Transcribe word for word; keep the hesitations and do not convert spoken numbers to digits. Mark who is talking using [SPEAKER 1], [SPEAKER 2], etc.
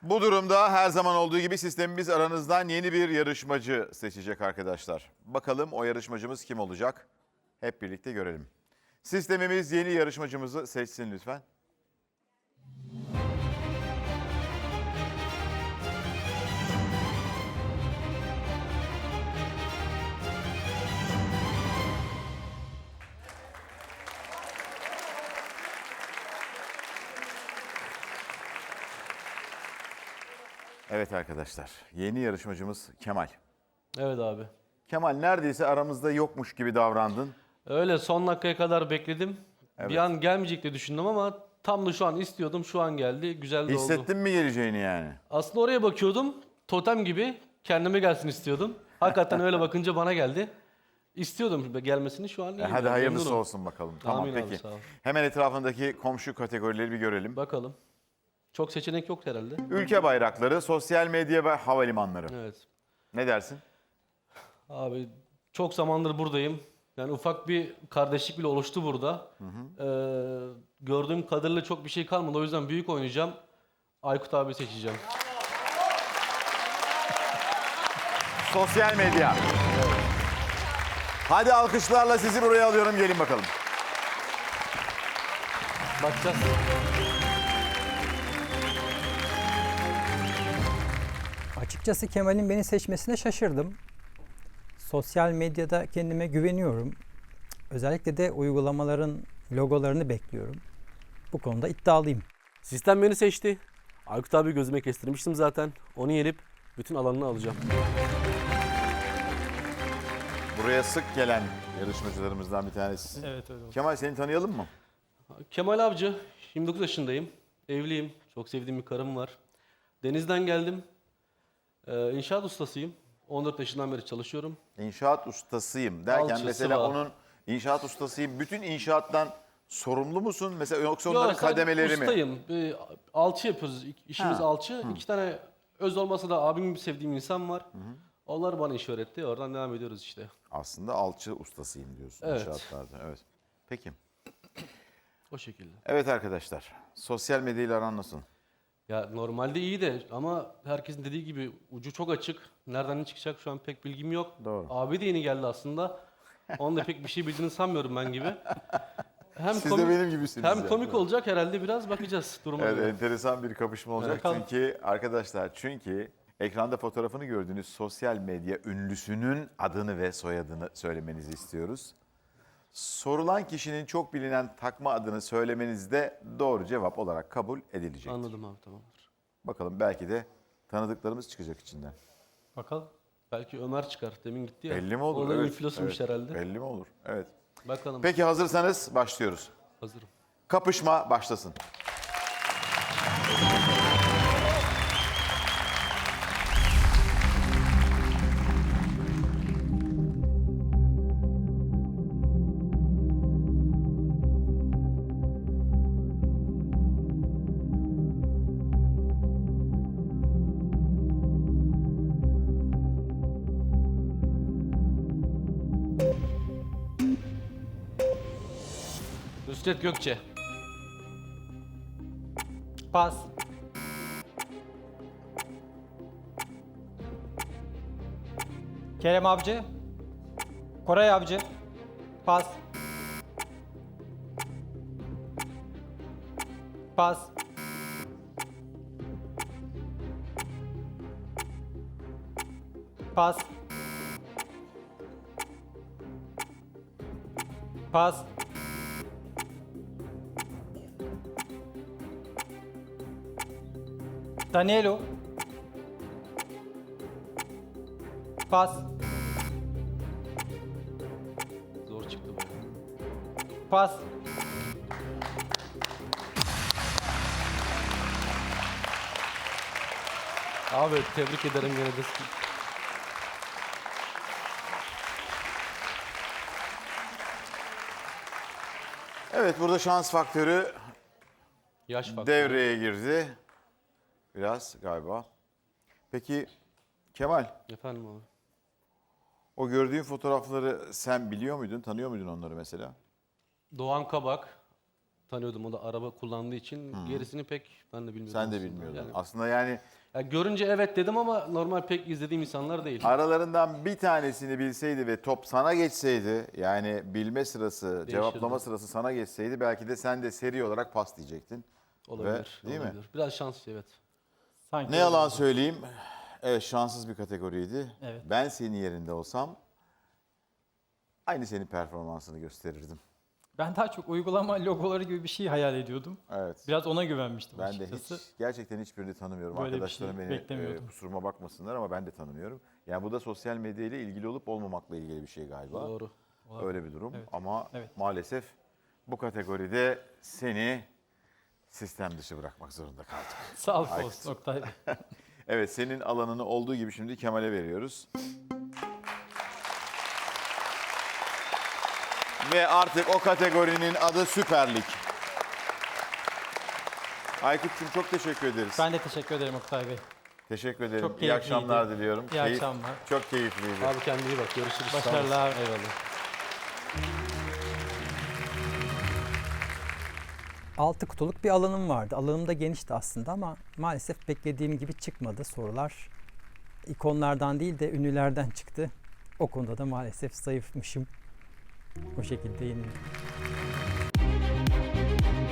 [SPEAKER 1] Bu durumda her zaman olduğu gibi sistemimiz aranızdan yeni bir yarışmacı seçecek arkadaşlar. Bakalım o yarışmacımız kim olacak? Hep birlikte görelim. Sistemimiz yeni yarışmacımızı seçsin lütfen. Evet arkadaşlar, yeni yarışmacımız Kemal.
[SPEAKER 2] Evet abi.
[SPEAKER 1] Kemal neredeyse aramızda yokmuş gibi davrandın.
[SPEAKER 2] Öyle son dakikaya kadar bekledim.
[SPEAKER 1] Evet.
[SPEAKER 2] Bir an gelmeyecek diye düşündüm ama tam da şu an istiyordum. Şu an geldi. Güzel de oldu.
[SPEAKER 1] Hissettin mi geleceğini yani?
[SPEAKER 2] Aslında oraya bakıyordum. Totem gibi kendime gelsin istiyordum. Hakikaten öyle bakınca bana geldi. İstiyordum gelmesini, şu an iyi.
[SPEAKER 1] E hadi
[SPEAKER 2] yani,
[SPEAKER 1] hayırlısı
[SPEAKER 2] memnunum.
[SPEAKER 1] olsun bakalım. Tamam
[SPEAKER 2] Amin abi,
[SPEAKER 1] peki.
[SPEAKER 2] sağ ol.
[SPEAKER 1] Hemen etrafındaki komşu kategorileri bir görelim.
[SPEAKER 2] Bakalım. Çok seçenek yok herhalde.
[SPEAKER 1] Ülke bayrakları, sosyal medya ve havalimanları.
[SPEAKER 2] Evet.
[SPEAKER 1] Ne dersin?
[SPEAKER 2] Abi çok zamandır buradayım. Yani ufak bir kardeşlik bile oluştu burada. Ee, gördüğüm kadarıyla çok bir şey kalmadı. O yüzden büyük oynayacağım. Aykut abi seçeceğim.
[SPEAKER 1] Sosyal medya. Hadi alkışlarla sizi buraya alıyorum. Gelin bakalım.
[SPEAKER 2] Bakacağız.
[SPEAKER 3] Açıkçası Kemal'in beni seçmesine şaşırdım. Sosyal medyada kendime güveniyorum. Özellikle de uygulamaların logolarını bekliyorum. Bu konuda iddialıyım.
[SPEAKER 4] Sistem beni seçti. Aykut abi gözüme kestirmiştim zaten. Onu yenip bütün alanını alacağım.
[SPEAKER 1] Buraya sık gelen yarışmacılarımızdan bir tanesi.
[SPEAKER 2] Evet öyle oldu.
[SPEAKER 1] Kemal seni tanıyalım mı?
[SPEAKER 2] Kemal Avcı. yirmi dokuz yaşındayım. Evliyim. Çok sevdiğim bir karım var. Denizden geldim. Ee, inşaat ustasıyım. on dört yaşından beri çalışıyorum.
[SPEAKER 1] İnşaat ustasıyım derken
[SPEAKER 2] Alçı,
[SPEAKER 1] mesela
[SPEAKER 2] sıva.
[SPEAKER 1] onun inşaat ustasıyım. Bütün inşaattan sorumlu musun? Mesela yoksa
[SPEAKER 2] Yo,
[SPEAKER 1] onların
[SPEAKER 2] sadece
[SPEAKER 1] kademeleri mi?
[SPEAKER 2] ustayım. Ee, alçı yapıyoruz. İşimiz
[SPEAKER 1] Ha,
[SPEAKER 2] alçı. İki tane öz olmasa da abim gibi sevdiğim insan var. Onlar bana iş öğretti. Oradan devam ediyoruz işte.
[SPEAKER 1] Aslında alçı ustasıyım diyorsun
[SPEAKER 2] Evet.
[SPEAKER 1] inşaatlarda. Evet. Peki.
[SPEAKER 2] O şekilde.
[SPEAKER 1] Evet arkadaşlar. Sosyal medyayla aran nasıl?
[SPEAKER 2] Ya normalde iyi de ama herkesin dediği gibi ucu çok açık. Nereden ne çıkacak şu an pek bilgim yok.
[SPEAKER 1] Doğru.
[SPEAKER 2] Abi de yeni geldi aslında. Onun da pek bir şey bildiğini sanmıyorum ben gibi. Hem
[SPEAKER 1] Siz de
[SPEAKER 2] komik,
[SPEAKER 1] benim gibisiniz.
[SPEAKER 2] hem
[SPEAKER 1] yani.
[SPEAKER 2] komik olacak herhalde, biraz bakacağız duruma
[SPEAKER 1] Evet,
[SPEAKER 2] göre.
[SPEAKER 1] enteresan bir kapışma olacak.
[SPEAKER 2] Bakalım.
[SPEAKER 1] Çünkü arkadaşlar çünkü ekranda fotoğrafını gördüğünüz sosyal medya ünlüsünün adını ve soyadını söylemenizi istiyoruz. Sorulan kişinin çok bilinen takma adını söylemeniz de doğru cevap olarak kabul edilecek.
[SPEAKER 2] Anladım abi, tamamdır.
[SPEAKER 1] Bakalım belki de tanıdıklarımız çıkacak içinden.
[SPEAKER 2] Bakalım. Belki Ömer çıkar. Demin gitti ya.
[SPEAKER 1] Belli mi olur?
[SPEAKER 2] O da
[SPEAKER 1] Evet,
[SPEAKER 2] influencer'mış
[SPEAKER 1] evet.
[SPEAKER 2] herhalde.
[SPEAKER 1] Belli mi olur? Evet.
[SPEAKER 2] Bakalım.
[SPEAKER 1] Peki hazırsanız başlıyoruz.
[SPEAKER 2] Hazırım.
[SPEAKER 1] Kapışma başlasın.
[SPEAKER 2] Nusret Gökçe.
[SPEAKER 3] Pas. Kerem Avcı. Koray Avcı. Pas. Pas. Pas. Pas. Danilo. Pas.
[SPEAKER 2] Zor çıktı bu.
[SPEAKER 3] Pas.
[SPEAKER 2] Abi tebrik ederim gene de.
[SPEAKER 1] Evet burada şans faktörü
[SPEAKER 2] Yaş faktörü.
[SPEAKER 1] devreye girdi. Biraz galiba. Peki Kemal,
[SPEAKER 2] Efendim abi.
[SPEAKER 1] o gördüğün fotoğrafları sen biliyor muydun, tanıyor muydun onları mesela?
[SPEAKER 2] Doğan Kabak. tanıyordum. O da araba kullandığı için. Gerisini pek ben de bilmiyordum.
[SPEAKER 1] Sen de
[SPEAKER 2] aslında.
[SPEAKER 1] bilmiyordun.
[SPEAKER 2] Yani,
[SPEAKER 1] Aslında yani
[SPEAKER 2] ya görünce evet dedim ama normal pek izlediğim insanlar değil.
[SPEAKER 1] aralarından bir tanesini bilseydi ve top sana geçseydi, yani bilme sırası, cevaplama sırası sana geçseydi belki de sen de seri olarak pas diyecektin.
[SPEAKER 2] Olabilir.
[SPEAKER 1] Ve- değil mi?
[SPEAKER 2] olabilir. Biraz şanslı evet.
[SPEAKER 3] Sanki
[SPEAKER 1] Ne yalan söyleyeyim, evet şanssız bir kategoriydi.
[SPEAKER 3] Evet.
[SPEAKER 1] Ben senin yerinde olsam aynı senin performansını gösterirdim.
[SPEAKER 3] Ben daha çok uygulama logoları gibi bir şey hayal ediyordum.
[SPEAKER 1] Evet.
[SPEAKER 3] Biraz ona güvenmiştim
[SPEAKER 1] Ben de
[SPEAKER 3] açıkçası.
[SPEAKER 1] hiç, gerçekten hiçbirini tanımıyorum.
[SPEAKER 3] Böyle bir
[SPEAKER 1] Arkadaşlarım
[SPEAKER 3] şey
[SPEAKER 1] beni
[SPEAKER 3] beklemiyordum.
[SPEAKER 1] e, kusuruma bakmasınlar ama ben de tanımıyorum. Yani bu da sosyal medya ile ilgili olup olmamakla ilgili bir şey galiba.
[SPEAKER 2] Doğru.
[SPEAKER 1] Öyle bir durum
[SPEAKER 3] Evet.
[SPEAKER 1] ama
[SPEAKER 3] Evet.
[SPEAKER 1] maalesef bu kategoride seni sistem dışı bırakmak zorunda kaldık.
[SPEAKER 3] Sağlık
[SPEAKER 1] Aykut.
[SPEAKER 3] olsun Oktay Bey.
[SPEAKER 1] Evet, senin alanını olduğu gibi şimdi Kemal'e veriyoruz. Ve artık o kategorinin adı Süper Lig. Aykut'cum çok teşekkür ederiz.
[SPEAKER 3] Ben de teşekkür ederim Oktay Bey.
[SPEAKER 1] Teşekkür ederim.
[SPEAKER 3] Çok
[SPEAKER 1] İyi
[SPEAKER 3] keyifliydi.
[SPEAKER 1] akşamlar diliyorum.
[SPEAKER 3] İyi akşamlar.
[SPEAKER 1] Çok keyifliydi.
[SPEAKER 2] Abi kendine iyi bak. Görüşürüz. Sağ olasın.
[SPEAKER 3] Başarılar.
[SPEAKER 2] Eyvallah.
[SPEAKER 5] Altı kutuluk bir alanım vardı. Alanım da genişti aslında ama maalesef beklediğim gibi çıkmadı sorular. İkonlardan değil de ünlülerden çıktı. O konuda da maalesef zayıfmışım. O şekilde yenildim.